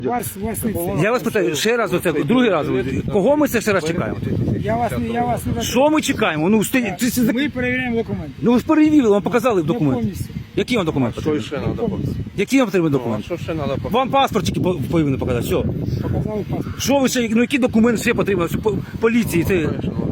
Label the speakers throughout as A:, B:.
A: Я вас питаю ще раз, оце другий раз. Кого ми це ще раз чекаємо?
B: Я вас не
A: Що ми чекаємо? Ну,
B: Ми перевіряємо документи.
A: ну ви ж перевірили, вам показали документи.
B: Повністю.
A: Які вам документи?
C: Що ще треба показати?
A: Які вам потрібні
C: Ну,
A: документи?
C: що ще треба показати?
A: Вам паспорт тільки повинні показати, все.
B: Показали паспорт.
A: Що ви ще, ну які документи ще потрібно? Поліції, це...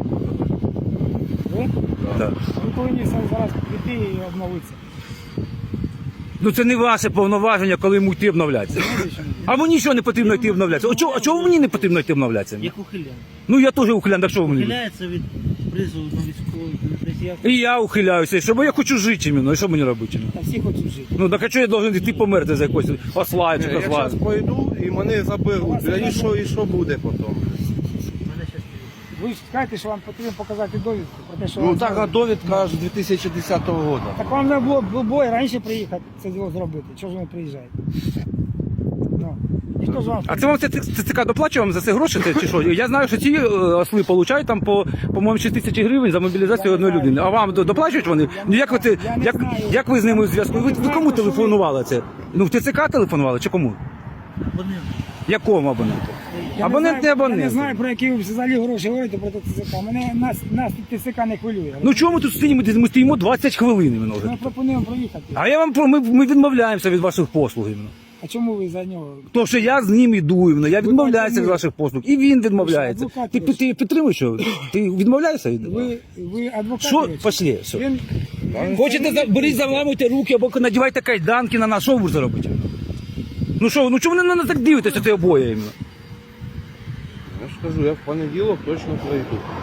B: Ви?
A: Да.
B: Ви повинні зараз прийти і обновитися.
A: Ну це не ваше повноваження, коли йому йти обновлятися. А мені нічого не потрібно йти обновлятися. А чого мені не потрібно йти обновлятися?
D: Як ухилян.
A: Ну я теж ухилян, так що ви мені?
D: Ухиляється від призову на військовий.
A: І я ухиляюся, щоб я хочу жити іменно, і що мені робити?
B: Та всі хочуть жити.
A: Ну так а чого я должен йти померти за якось осла чи
C: Я
A: козла?
C: зараз пойду і мене заберуть. І що буде потім?
B: Ви ж скажете, що вам потрібно показати довідку про те, що
C: Ну
B: вам
C: так, а
B: зробили.
C: довідка аж 2010 року.
B: Так вам не було бой раніше приїхати це діло зробити. Чого ж ви не приїжджаєте? Ну, ніхто ж вам...
A: А це вам ЦК доплачує вам за це гроші чи що? Я знаю, що ці осли получають там по-моєму 6 тисяч гривень за мобілізацію одної людини. А вам доплачують вони? Ну як ви з ними у зв'язку? Ви кому телефонували це? Ну в ТЦК телефонували чи кому?
D: Вони
A: Якому абоненту? Абонент не
B: Я не
A: абонент.
B: знаю, про які ви взагалі гроші говорите про ТЦК. Нас ТЦК не хвилює.
A: Ну чому ми тут стоїмо? Ми стоїмо 20 хвилин іменно вже.
B: Ми пропонуємо проїхати.
A: А я вам ми відмовляємося від ваших послуг іменно.
B: А чому ви за нього?
A: То, що я з ним іду, іменно. Я відмовляюся від ваших послуг. І він відмовляється.
B: адвокат
A: Ти підтримуєш що? Ти відмовляєшся?
B: Ви адвокат?
A: Що?
B: речі?
A: Пошли, все.
B: Він...
A: Хочете, беріть, заламуйте руки, або надівайте кайданки на нас, що ви будете робити? Ну що, ну чому ви на нас так дивитеся, це обоє іменно?
C: Я ж кажу, я в понеділок точно пройду.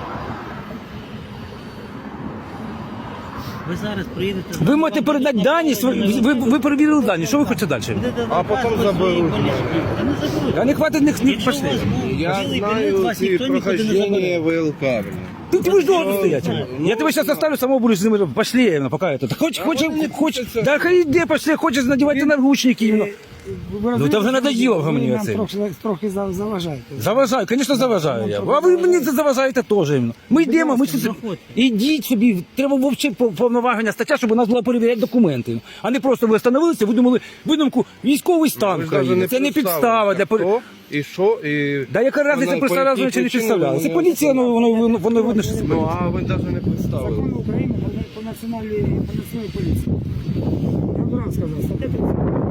D: ви зараз приїдете.
A: Ви можете передати дані, ви перевірили дані, що ви хочете далі?
C: А потім заберуть.
D: Та не заберуть.
A: А не хватить них
D: Якщо у
A: пошли.
D: вас був
C: Я
D: білий
C: знаю
D: білет, вас
C: ці
D: ніхто нікуди не
C: прохождення
D: забере.
C: ВЛК.
A: Ти ж дома стоять. Я тебе зараз оставлю, само будеш з ними. Пошли, іменно, поки это. Хоче, да хай йде, пошли, хочеш надівати наручники, іменно. Ну, це вже надоїло вже мені
B: нам
A: оце.
B: трохи заважаєте.
A: Заважаю, звісно, заважаю я. А ви мені це заважаєте теж. іменно. Ми йдемо, ми щось... Ідіть собі, треба вовчити повноваження стаття, щоб у нас було перевіряти документи. А не просто ви встановилися, видумали видумку військовий стан в країні. Це не підстава для...
C: Хто і що, і...
A: Да яка разниця представляла, чи не представляла? Це поліція, воно видно, що це
C: Ну,
A: поліція.
C: а ви навіть не представили.
B: Закон України по національній поліції. Я одразу сказав, стаття 30.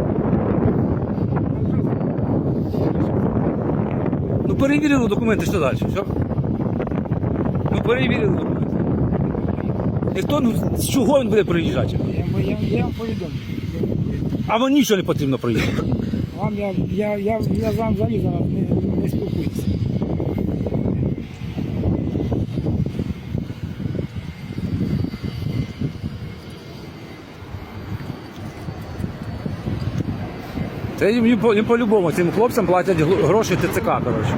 A: Ну перевірили документи, що далі? Все? Ну перевірили документи. І хто, ну з чого він буде приїжджати?
B: Я вам повідомлю.
A: А вам нічого не потрібно приїхати.
B: Вам я з вами взагалі зараз не спілкуюся.
A: Це їм по-любому, цим хлопцям платять гроші ТЦК, коротше.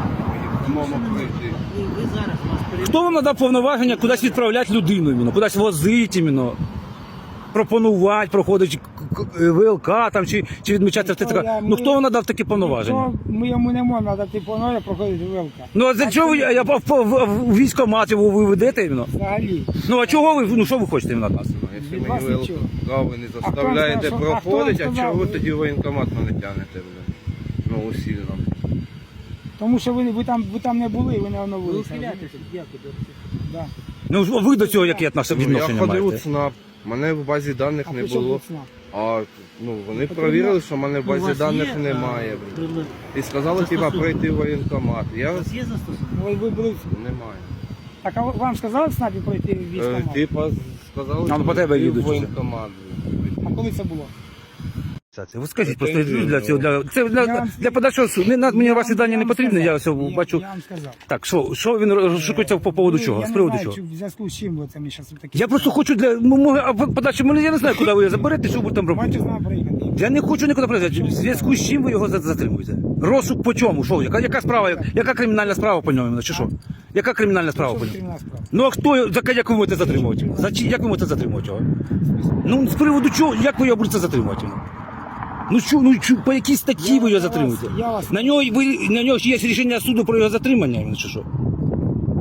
D: Ви зараз вас перевіряють.
A: Хто вам надав повноваження кудись відправляти людину, іменно, кудись возити, іменно, пропонувати, проходити ВЛК там, чи відмічати в ТЦК? Ну хто вам надав такі повноваження?
B: Ми йому не можемо надати повноваження проходити ВЛК.
A: Ну а за чого я в військкомат його ви ведете іменно?
B: Взагалі.
A: Ну а чого ви, ну що ви хочете від нас?
C: Якщо
B: Від
C: мені
B: вас
C: ВЛК
B: нічого.
C: ви не заставляєте
B: сказав, що-
C: проходити,
B: а
C: а
B: хто вам
C: чого ви
B: сказав?
C: тоді воєнкомат мене тягнете, блин? Ну, усилено.
B: Тому що ви там не були, ви не
D: Ви
B: оновилися.
D: ухиляєтеся, дякую.
B: Да.
A: Ну ви до цього яке
C: Я
A: відношення
C: ходив у
A: маєте?
C: ЦНАП, мене в базі даних
B: А
C: не
B: при чому
C: було.
B: тут ЦНАП?
C: А ну вони
B: Потрібно-
C: провірили, що в мене в
D: У
C: базі
D: вас
C: даних
D: є,
C: немає. блин.
D: прилад?
C: І сказали, типа,
D: Застосунок.
C: прийти в воєнкомат. Я
D: У вас є застосунок?
B: Ви були...
C: немає.
B: Так, а вам сказали в СНАПі пройти в військкомат?
C: Типа сказали,
A: А, ну, по тебе
C: прийти
A: їдуть
C: в
A: уже.
C: воєнкомат.
B: А коли це було?
A: Ви скажіть просто для цього, це для подальшого суду. Мені ваші дані не потрібні, я все бачу.
B: Я вам сказав.
A: Так, що він розшукується по поводу чого?
B: Я
A: З
B: не
A: приводу
B: знаю,
A: чого?
B: чи в зв'язку з чим ви це мені зараз такі.
A: Я просто хочу подальше, я не знаю, куди ви його заберете, що ви там
B: Маєте
A: робити.
B: з нами приїхати.
A: Я не хочу нікуди приїжджати. В зв'язку з чим ви його затримуєте? Розшук по чому? Що? Яка справа? Яка кримінальна справа по ньому? Чи що? Яка кримінальна справа по
B: Що
A: ньому?
B: кримінальна справа?
A: Ну а хто, як ви будете затримувати? Як ви будете затримувати його? Ну з приводу чого, як ви його будете затримувати? Ну що, по якій статті ви його затримуєте?
B: я вас-
A: На нього є рішення суду про його затримання, чи що?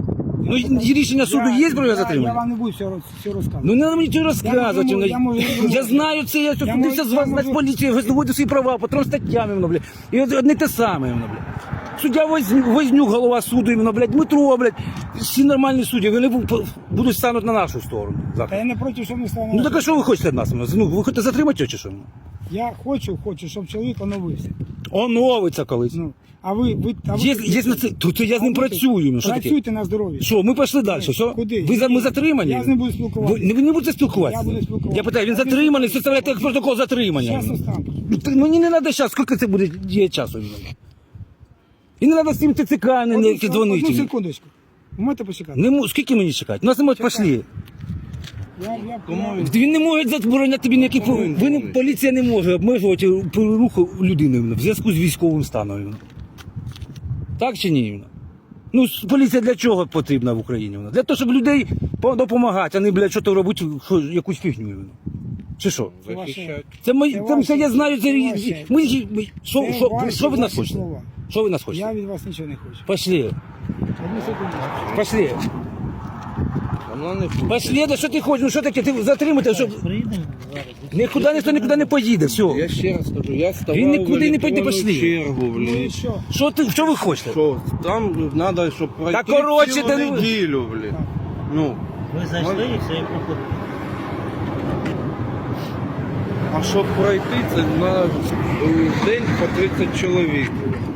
A: Ну, і рішення суду є про його
B: Я
A: затримання?
B: вам не буду все розказувати.
A: Ну, не треба мені цього розказувати.
B: Я можу-
A: Я знаю це, я
B: Я
A: ходився
B: можу-
A: з вас
B: я
A: на
B: можу-
A: поліції, ви здобуєте свої права, по 3 статтям, іменно, блядь. І одне те саме, іменно, блядь. Суддя Вознюк, голова суду, іменно, блядь, Дмитро, блядь. Всі нормальні судді, вони будуть стануть на нашу сторону.
B: Та
A: завтра.
B: я не проти, щоб ми стали.
A: Ну так а що ви хочете від нас? Ну, ви хочете затримати його чи що?
B: Я хочу, щоб чоловік оновився.
A: Оновиться колись.
B: Ну, а ви
A: Є на це, то я з ним працюю. Ну, що таке?
B: Працюйте на здоров'я.
A: Що, ми пішли далі, все?
B: Куди?
A: Ми затримані?
B: Я з ним буду спілкуватися.
A: Ви не будете спілкуватися?
B: Я буду спілкуватися.
A: Я питаю, він затриманий, составляєте як протокол затримання.
B: Зараз останку.
A: Ну, мені не треба зараз, скільки це буде є часу? І не треба з цим ТЦК не
B: Одну
A: дзвонити.
B: секундочку. Ви можете почекати?
A: Скільки мені чекати? Нас не можуть пішли.
C: Кому він?
A: Він не може забороняти тобі ніякі...
C: Кому він
A: Ви не,
C: дзвонить?
A: поліція не може обмежувати руху людини в зв'язку з військовим станом. Так чи ні? Ну, поліція для чого потрібна в Україні? Для того, щоб людей допомагати, а не, блядь, що то робити, якусь фігню. Чи що?
C: Захищати.
A: Це я знаю, це... Що ви нас
B: ваші
A: хочете?
B: слова.
A: Що ви нас хочете?
B: Я від вас нічого не хочу.
A: Пошли.
B: Одну секундочку.
A: Пошли.
C: Вона не хоче.
A: Пошли, да що ти хочеш? Ну що таке? Ти затримати, щоб...
D: Приїдемо зараз.
A: Ніхто нікуди не поїде, все.
C: Я ще раз кажу, я ставав
A: Він нікуди не
C: в
A: пойде,
C: електронну
A: пошли.
C: чергу,
B: Ну і
C: блін.
B: що?
A: Що ви хочете?
C: Що, там треба, щоб пройти
A: коротше,
C: цілу
A: та ну-
C: неділю, блін. Ну,
D: Ви зайшли і все, і проходите.
C: а щоб пройти, це на день по 30 чоловік.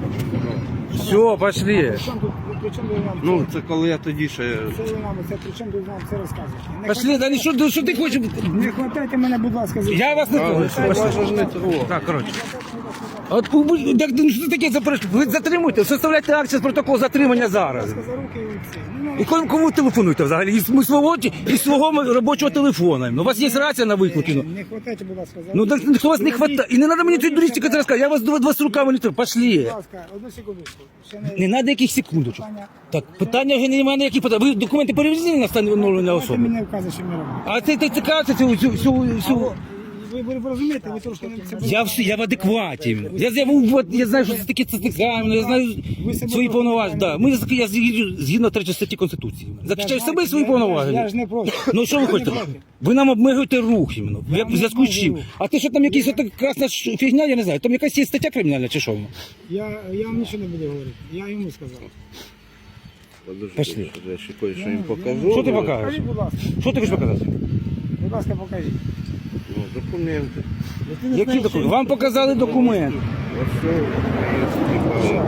A: Все, пошли.
B: При чому ви нам
C: Ну, це коли я тоді ще...
B: це ви нам це при чому ви нам це розказуєте? Не
A: Пошли, да що ти хочеш?
B: Не хватайте мене, будь ласка, за
A: Я вас не
C: А,
A: хочу.
C: це вас ж не трогав.
A: Так, коротше. От так, ну, що таке ви затримуєте? Составляйте акцію з протокол затримання зараз.
B: за руки і це. Ну,
A: І кому ви телефонуєте взагалі? Із свого робочого телефона. Ну, у вас є рація на виклики. Ну.
B: Не хватайте, будь ласка, за
A: Ну
B: руки.
A: так хто вас не хватає. І не треба мені цієї дурістики розказати. Я вас до вас руками не тру. Пошли.
B: Будь ласка, одну секундочку. Ще
A: Не треба яких секундочок.
B: Питання.
A: Так, питання вже немає ніяких питань. Ви документи перевезли на встановлення
B: Давайте
A: особи?
B: мені вказує, що ми робимо.
A: А це цікавиться всю...
B: Ви розумієте, ви трошки не
A: Я в адекваті. Я знаю, що це таке цікавно, я знаю
B: Ви себе
A: свої
B: просто
A: повноваження.
B: не
A: Да. Я згідно 3 статті Конституції. Захищаю себе і свої
B: Я ж
A: повноваження.
B: не проти.
A: Ну що ви
B: Я не
A: хочете?
B: проти.
A: Ви нам обмежуєте рух іменно.
B: Я
A: В зв'язку з
B: не
A: чим?
B: рух.
A: А те, що там якась ота красна фігня, я не знаю. Там якась є стаття кримінальна чи що?
B: Я вам нічого не буду говорити. Я йому сказав.
C: Подожди,
A: Пошли.
C: я ще кое-що їм покажу.
A: Що ти покажеш?
B: Покажіть, будь ласка.
A: Що ти хочеш показати?
B: Будь ласка, покажіть.
C: Ну, документи.
A: Які документи? Вам показали документ.
C: Ось що, типа,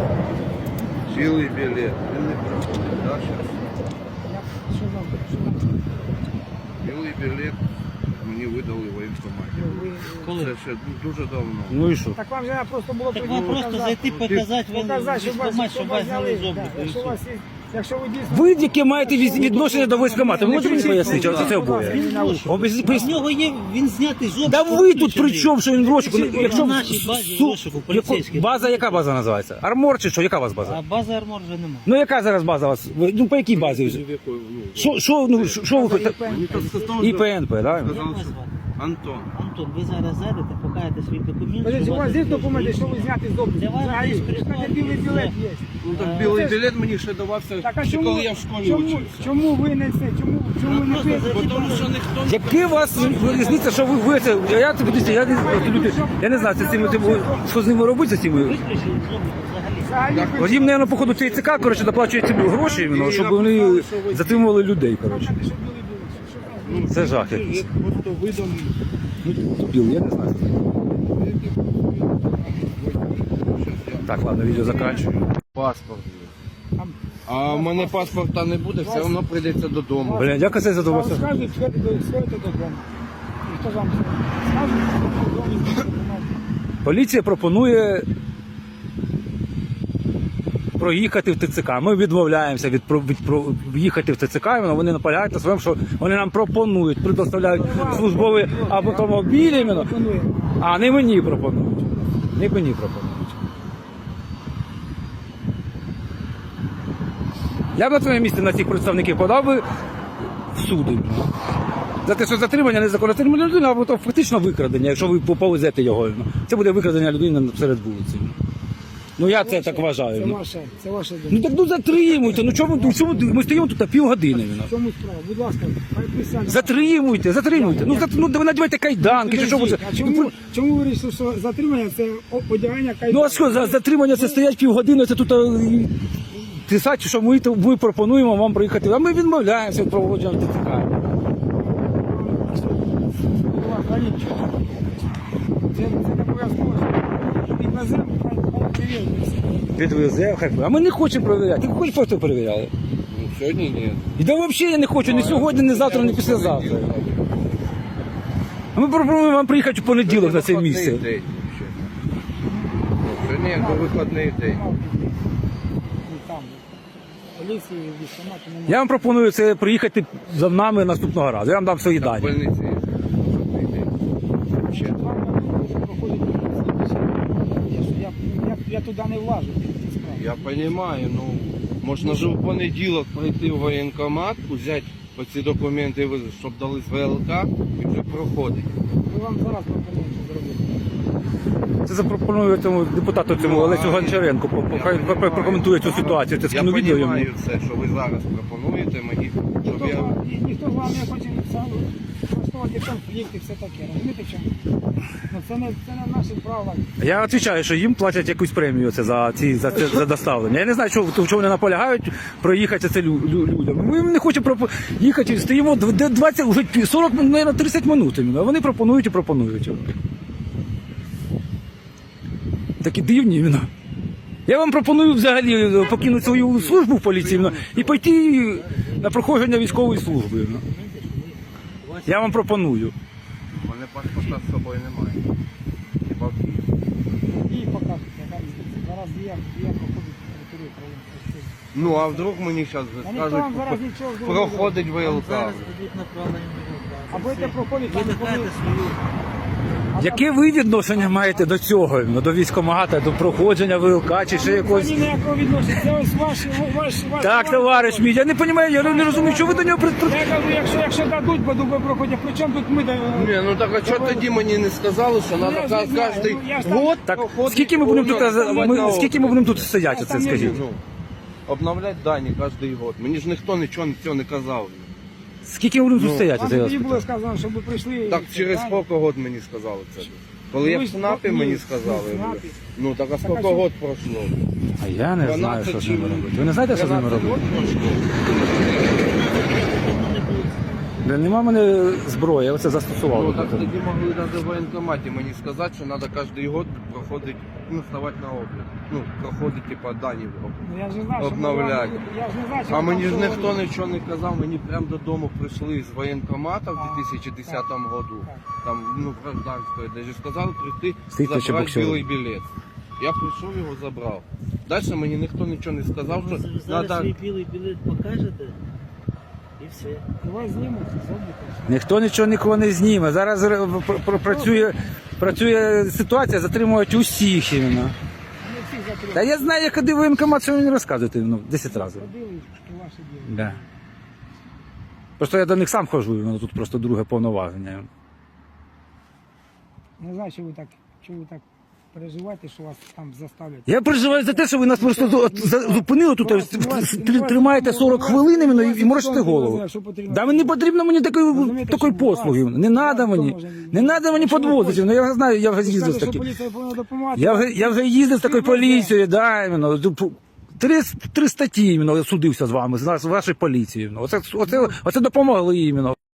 C: цілий білет. Він не проходить, да, щас?
B: Що вам?
C: Білий білет мені видали в воєнкоматі.
D: Коли?
C: Це ще дуже давно.
A: Ну і що?
B: Так вам же треба просто було
D: Так вам просто зайти, показати,
B: показати, щоб вас,
D: щоб вас зняли з
B: да,
D: обліку. і
B: якщо
D: все.
B: у вас є, якщо ви дійсно...
A: Ви яке маєте відношення до військкомату? Ви можете мені пояснити, що це обоє?
D: У нього є, він знятий з обліку.
A: Да ви тут при
D: виключений.
A: чому, що він в розшуку?
D: На нашій базі в розшуку поліцейський.
A: База, яка база називається? Армор чи що? Яка у вас база?
D: А бази армор вже немає.
A: Ну яка зараз база у вас? Ну по якій базі? Що ви хочете?
C: Мені так сказали,
A: І ПНП, так?
D: Як вас звати?
C: Антон.
D: Антон, ви зараз зайдете, покажете свій документ.
B: Подождіть,
D: що
B: у вас є
D: тут
B: документи, що ви зняти з обліку?
D: Для вас
B: Взагалі,
D: десь
B: ви ж
D: прислали,
B: кажете, білий
D: і
B: білет
D: все.
B: є.
C: Ну так білий білет мені ще давався,
B: Так, а
C: ще
B: чому,
C: коли я в школі
B: чому,
C: учився.
B: чому ви не це? Чому ви не
D: просто
B: пишете?
C: Бо тому що ніхто не...
A: Яке у вас різниця, що ви це? Я не знаю, це з цими, що з ними робити з цими.
D: Виключили з обліку взагалі.
B: Взагалі,
A: От їм, мабуть, походу, ЦК, коротше, доплачує ці гроші, іменно, щоб вони затримували людей, коротше.
B: що білий білет. Що там?
A: Це жах якийсь.
C: Я просто видав...
A: Дебіл, я не знаю. Так, ладно, відео заканчую.
C: Паспорт. А в мене паспорта не буде, все одно прийдеться додому.
A: Бля, дякую за
B: Вам
A: задоволення.
B: скажуть, сходите додому. І хто вам скаже, додому.
A: Поліція пропонує проїхати в ТЦК. Ми відмовляємося їхати в ТЦК, і вони наполягають на своєму, що вони нам пропонують, предоставляють службові автомобілі, іменно, а не мені пропонують. Не мені пропонують. Я б на твоєму місці на цих представників подав би в суд. За те, що затримання незаконне затримання людини, або то фактично викрадення, якщо ви повезете його. Це буде викрадення людини серед вулиці. Ну я це так вважаю.
B: Це ваше
A: Ну
B: думка.
A: так ну затримуйте, ну чому ми стоїмо тут півгодини.
B: В чому справа? Будь ласка, хай присядьте.
A: Затримуйте. Ну ви надівайте кайданки, чи що ви.
B: А чому ви вирішили, що затримання це одягання кайданки?
A: Ну а що, затримання це стоять півгодини, це тут писати, що ми пропонуємо вам приїхати, а ми відмовляємося від проводження ТЦК.
B: Це не обов'язково. Підвеземо, хай перевіриться.
A: Підвезе, хай. А ми не хочемо перевіряти. Ти хочеш просто перевіряли?
C: Ну, сьогодні ні.
A: І да взагалі я не хочу, ні сьогодні, ні завтра, ні післязавтра. А ми пропонуємо вам приїхати у понеділок на це місце.
C: Вихідний день ще. Ну, сьогодні якби вихідний день.
B: Там, поліції, військкомати немає.
A: Я вам пропоную це приїхати за нами наступного разу. Я вам дам свої
C: В
A: дані.
C: больниці є вихідний день. Ще.
B: Я туди не влажу.
C: Я розумію, ну можна ж у понеділок прийти в воєнкомат, взяти оці документи, щоб дали з ВЛК і вже проходить.
B: Ми вам зараз пропонуємо це зробити.
A: Це запропоную цьому депутату цьому Олесю Гончаренку. Хай прокоментує цю ситуацію. Це
C: Я
A: скину відео йому.
C: розумію це, що ви зараз пропонуєте мені, щоб я...
B: Ніхто з вами не хоче влаштовувати конфлікт і все таке. Розумієте чому? Ну, це не наші права.
A: Я відповідаю, що їм платять якусь премію це за доставлення. Я не знаю, чого вони наполягають проїхати це людям. Ми не хочемо їхати, стоїмо 20, вже 40, мабуть, 30 минут. А вони пропонують і пропонують. Такі дивні іменно. Я вам пропоную взагалі покинути свою службу в поліції і пойти на проходження військової служби. Я вам пропоную.
C: У мене паспорта з собою немає. Хіба в Києві.
B: І покажете. Зараз є проходить територію України.
C: Ну, а вдруг мені зараз
B: А ніхто
C: скажуть,
B: вам зараз нічого зробити.
C: проходить
D: Вам
C: ВЛК.
D: зараз дадуть направлення до ВЛК.
B: А будете проходити,
D: Ви
B: там
D: докажете
B: коли-
D: свою.
A: Яке ви відношення маєте до цього? До військкомата, до проходження ВЛК чи ще якогось?
B: Ні, ніякого відношення. Це ось ваші.
A: Так, товариш мій, я не розумію, я не розумію, що ви до нього
B: Я кажу, якщо дадуть, бо ви проходять. При чому тут ми?
C: Ні, ну так а чого тоді мені не сказали, що
B: я
C: треба
B: ж не знаю,
C: кожен
B: ну, я ж там-
C: год
A: Так,
C: проходить
A: скільки ми будемо тут,
C: ставати на
A: скільки ми будемо тут стояти, це скажіть?
C: Ну, обновляти дані кожен год. Мені ж ніхто нічого цього не казав.
A: Скільки ми будемо тут стояти?
B: Вам
A: це я вас
B: тоді було
A: питаю.
B: сказано, щоб ви прийшли.
C: Так через
B: Так.
C: скільки год мені сказали це? Коли я
B: Ви
C: в
B: ж-
C: СНАПі
B: ні,
C: мені
B: в
C: сказали.
B: СНАПі.
C: Ну так а
B: а
C: скільки
B: що?
C: год пройшло?
A: А я не знаю, що з ними
C: 12
A: робити. Ви не знаєте, що з ними
C: 13
A: робити?
C: год пройшло?
A: Нема в мене зброї, я оце застосував.
C: Ну так тоді могли навіть в воєнкоматі мені сказати, що треба кожен год проходити, ну, ставати на облік. Ну, проходити, типа, дані в облік.
B: Ну, я ж не знаю, що
C: Обновляти.
B: я ж не знаю, що
C: А
B: ви
C: мені
B: там
C: ж ніхто
B: говорите.
C: нічого не казав, мені прямо додому прийшли з воєнкомата в 2010 году, там, ну, гражданської, де ж сказали прийти,
A: Стійте, чи
C: забрати
A: боксер?
C: білий білет. Я прийшов, його забрав. Далі мені ніхто нічого не сказав, що
D: Ви зараз
C: треба...
D: свій білий білет покажете і все.
B: Давай знімуть, зробите.
A: Ніхто нічого нікого не зніме. Зараз працює ситуація, затримують усіх іменно.
B: Не всіх закрили.
A: Та я знаю, як ходив воєнкомат, що ви мені розказуєте, 10 разів.
B: Ходили, що ваше діло.
A: Да. Просто я до них сам ходжу, і воно тут просто друге повноваження.
B: Не знаю, що ви так переживаєте, що вас там заставлять.
A: Я переживаю за те, що ви нас просто зупинили тут, тримаєте 40 хвилин іменно і морочите голову. Да не потрібно мені такої послуги. Не треба мені. Не треба мені підвозити. Ну, я знаю, я вже їздив з
B: Скажете, що
A: таким.
B: поліція повинна допомагати.
A: Я вже їздив з такою поліцією, да, іменно. Три статті іменно судився з вами, з вашою поліцією. Оце допомогли іменно.